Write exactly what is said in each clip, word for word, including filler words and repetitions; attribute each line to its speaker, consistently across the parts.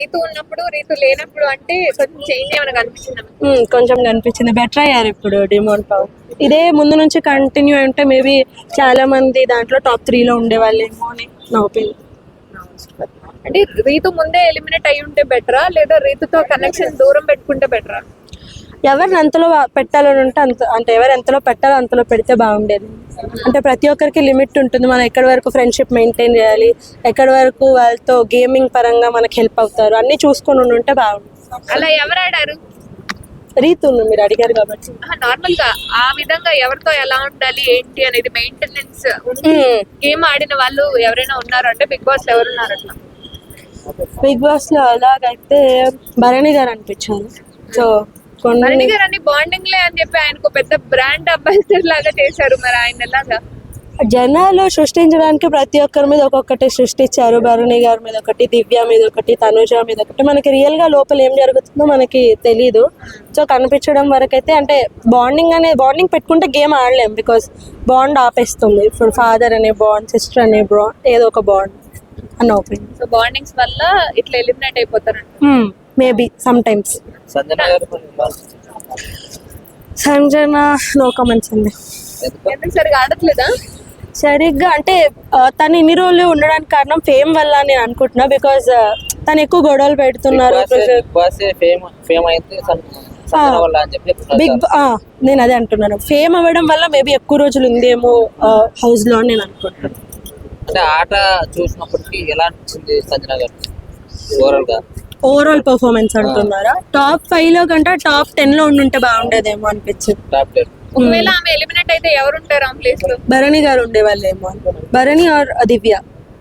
Speaker 1: రీతు ఉన్నప్పుడు రీతు లేనప్పుడు అంటే కొంచెం చేంజ్ ఏమైనా కనిపించిందా?
Speaker 2: ఉమ్, కొంచెం కనిపించింది. బెటర్ అయ్యారు ఇప్పుడు డిమోన్ పవన్. ఇదే ముందు నుంచి కంటిన్యూ అంటే మేబీ చాలా మంది దాంట్లో టాప్ త్రీలో ఉండేవాళ్ళేమో అని నా ఒపీనియన్.
Speaker 1: అంటే రీతు ముందే ఎలిమినేట్ అయి ఉంటే బెటరా లేదా రీతుతో కనెక్షన్ దూరం పెట్టుకుంటే బెటరా?
Speaker 2: ఎవరిని అంతలో పెట్టాలని ఉంటే అంత అంటే ఎవరు ఎంతలో పెట్టాలో అంతలో పెడితే బాగుండేది. అంటే ప్రతి ఒక్కరికి లిమిట్ ఉంటుంది. మనం ఎక్కడి వరకు ఫ్రెండ్షిప్ మెయింటైన్ చేయాలి, ఎక్కడి వరకు వాళ్ళతో గేమింగ్ పరంగా మనకి హెల్ప్ అవుతారు అన్నీ చూసుకొని ఉంటే బాగుంటుంది.
Speaker 1: అలా ఎవరు ఆడారు?
Speaker 2: రీతు మీరు అడిగారు కాబట్టి
Speaker 1: నార్మల్ గా ఆ విధంగా ఎవరితో ఎలా ఉండాలి ఏంటి అనేది మెయింటెనెన్స్ గేమ్ ఆడిన వాళ్ళు ఎవరైనా ఉన్నారు అంటే బిగ్ బాస్ లో ఎవరున్నారు అట్లా?
Speaker 2: బిగ్ బాస్ లో అలాగైతే భరణి గారు అనిపించారు. సో
Speaker 1: భరణి గారు అన్ని బాండింగ్ లే అని చెప్పి ఆయనకు పెద్ద బ్రాండ్ అంబాసిడర్ లాగా చేశారు. మరి ఆయన ఎలాగా
Speaker 2: జనాలు సృష్టించడానికి ప్రతి ఒక్కరి మీద ఒక్కొక్కటి సృష్టించారు. భరణి గారి మీద ఒకటి, దివ్య మీద ఒకటి, తనుజ మీద ఒకటి. మనకి రియల్ గా లోపల ఏం జరుగుతుందో మనకి తెలీదు. సో కనిపించడం వరకు అయితే అంటే బాండింగ్ అనే బాండింగ్ పెట్టుకుంటే గేమ్ ఆడలేం. బికాస్ బాండ్ ఆపేస్తుంది. ఇప్పుడు ఫాదర్ అనే బాండ్, సిస్టర్ అనే బాండ్, ఏదో ఒక బాండ్ అన్న ఒపీనియన్.
Speaker 1: సో బాండింగ్స్ వల్ల ఇట్లా ఎలిమినేట్ అయిపోతారు.
Speaker 2: Maybe some times. Sanjana no comments అండి.
Speaker 1: ఎందుకు సరిగా ఆడట్లేదా?
Speaker 2: సరిగ్గా అంటే తను ఇన్ని రోజులు ఉండడానికి కారణం ఫేమ్ వల్ల నేను అనుకుంటున్నా. బికాజ్ తను ఎక్కువ గొడవలు పెడుతున్నారు. బిగ్ నేను అదే అంటున్నాను, ఫేమ్ అవ్వడం వల్ల మేబీ ఎక్కువ రోజులు ఉందేమో హౌస్ లో అని నేను అనుకుంటున్నాను.
Speaker 3: అంటే ఆట చూసినప్పటికీ ఎలా అనిపించింది సంజన గారు ఓవరాల్ గా?
Speaker 2: ఓవరాల్ పర్ఫార్మెన్స్ అంటున్నారా? టాప్ ఫైవ్ లో కంటే టాప్ టెన్ లో ఉండుంటే బాగుండేదేమో అనిపించింది.
Speaker 3: Top ten.
Speaker 1: ఒకవేళ ఆమె ఎలిమినేట్ అయితే ఎవరు ఉంటారు ఆ ప్లేస్ లో?
Speaker 2: భరణి గారు ఉండేవాళ్ళేమో. భరణి ఆర్ దివ్య.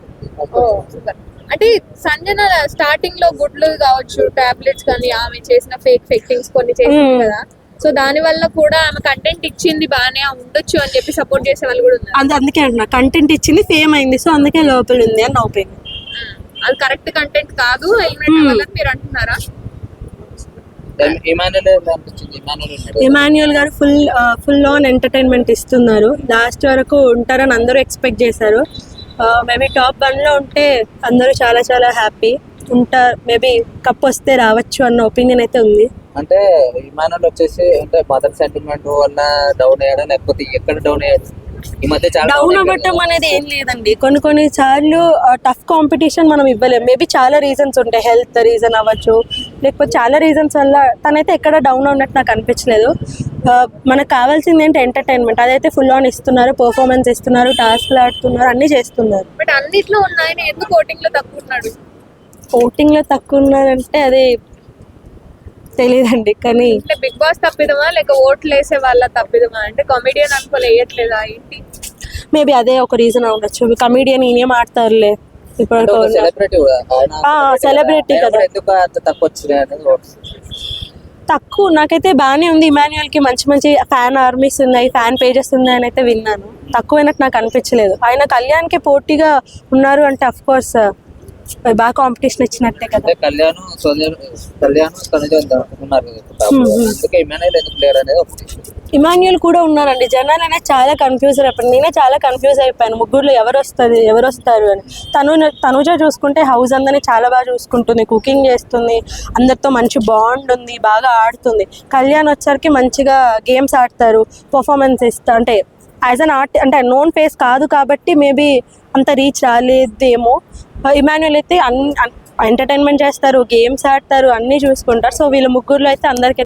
Speaker 1: అంటే సంజన స్టార్టింగ్ లో గుడ్లు కావచ్చు, టాబ్లెట్స్ కానీ ఆమె చేసిన ఫేక్ ఫెక్టింగ్స్ కొన్ని చేసింది కదా. సో దాని వల్ల కూడా ఆమె కంటెంట్ ఇచ్చింది బాగానే ఉండొచ్చు అని చెప్పి సపోర్ట్ చేసే వాళ్ళు కూడా ఉన్నారు.
Speaker 2: అందు అందుకే అంటున్నా కంటెంట్ ఇచ్చింది, ఫేమ్ అయింది, సో అందుకే లోపల ఉంది అని నా ఒపీనియన్.
Speaker 1: అది కరెక్ట్ కంటెంట్ కాదు ఎలిమినేట్ అవ్వాలని మీరు అంటున్నారా?
Speaker 2: ఇమాన్యుయల్ గారు ఫుల్ ఫుల్ ఆన్ ఎంటర్టైన్మెంట్ ఇస్తున్నారు. లాస్ట్ వరకు ఉంటారని అందరూ ఎక్స్పెక్ట్ చేశారు. మేబీ టాప్ వన్ లో ఉంటే అందరూ చాలా చాలా హ్యాపీ ఉంటారు. మేబీ కప్ వస్తే రావచ్చు అన్న ఒపీనియన్ అయితే ఉంది.
Speaker 3: అంటే ఇమాన్యుయల్ వచ్చేసి అంటే మదర్ సెంటిమెంట్ వల్ల డౌన్ అయ్యాడా లేకపోతే ఎక్కడ డౌన్ అయ్యాడు? ఈ మధ్య చాలా
Speaker 2: డౌన్ అవ్వటం అనేది ఏం లేదండి. కొన్ని కొన్ని సార్లు టఫ్ కాంపిటీషన్ మనం ఇవ్వలేం. మేబీ చాలా రీజన్స్ ఉంటాయి. హెల్త్ రీజన్ అవ్వచ్చు, లేకపోతే చాలా రీజన్స్ వల్ల తనైతే ఎక్కడ డౌన్ ఉన్నట్టు నాకు అనిపించలేదు. మనకు కావాల్సింది ఏంటి ఎంటర్టైన్మెంట్, అదైతే ఫుల్ ఆన్ ఇస్తున్నారు, పర్ఫార్మెన్స్ ఇస్తున్నారు, టాస్క్లు ఆడుతున్నారు, అన్ని చేస్తున్నారు.
Speaker 1: బట్ అన్నిట్లో ఉన్నాయని ఎందుకు ఓటింగ్ లో తక్కువ ఉన్నాడు?
Speaker 2: ఓటింగ్ లో తక్కువ ఉన్నారంటే అది తెలియదండి. కానీ
Speaker 1: బిగ్ బాస్ తప్పిదమా లేక ఓట్లు వేసే వాళ్ళ తప్పిదమా? అంటే కామెడియన్ అనుకోలే వేయట్లేదా ఏంటి?
Speaker 2: మేబీ అదే ఒక రీజన్ ఉండొచ్చు. కమెడియన్ ఈయనేం ఆడతారులే ఇప్పుడు, సెలబ్రిటీ కదా. తక్కువ నాకైతే బాగానే ఉంది. ఇమాన్యుయల్ కి మంచి మంచి ఫ్యాన్ ఆర్మీస్ ఉన్నాయి, ఫ్యాన్ పేజెస్ ఉన్నాయని అయితే విన్నాను. తక్కువైనట్టు నాకు అనిపించలేదు. ఆయన కళ్యాణ్కి పోటీగా ఉన్నారు అంటే అఫ్ కోర్స్ బాగా కాంపిటీషన్ ఇచ్చినట్టే కదా.
Speaker 3: కళ్యాణ్ కళ్యాణ్
Speaker 2: ఇమాన్యుయల్ కూడా ఉన్నారండి. జనాలు అనేది చాలా కన్ఫ్యూజ్ అయిపోయింది. నేనే చాలా కన్ఫ్యూజ్ అయిపోయాను ముగ్గురులో ఎవరు వస్తుంది ఎవరు వస్తారు అని. తను తనుజ చూసుకుంటే హౌస్ అందరినీ చాలా బాగా చూసుకుంటుంది, కుకింగ్ చేస్తుంది, అందరితో మంచి బాండ్ ఉంది, బాగా ఆడుతుంది. కళ్యాణ్ వచ్చరికి మంచిగా గేమ్స్ ఆడతారు, పర్ఫార్మెన్స్ ఇస్తా అంటే యాజ్ అన్ ఆర్ట్ అంటే నోన్ ఫేస్ కాదు కాబట్టి మేబీ అంత రీచ్ రాలేదేమో. ఇమాన్యుయల్ అయితే అన్ని ఎంటర్టైన్మెంట్ చేస్తారు, గేమ్స్ ఆడతారు, అన్నీ చూసుకుంటారు. సో వీళ్ళ ముగ్గురులో అయితే అందరికీ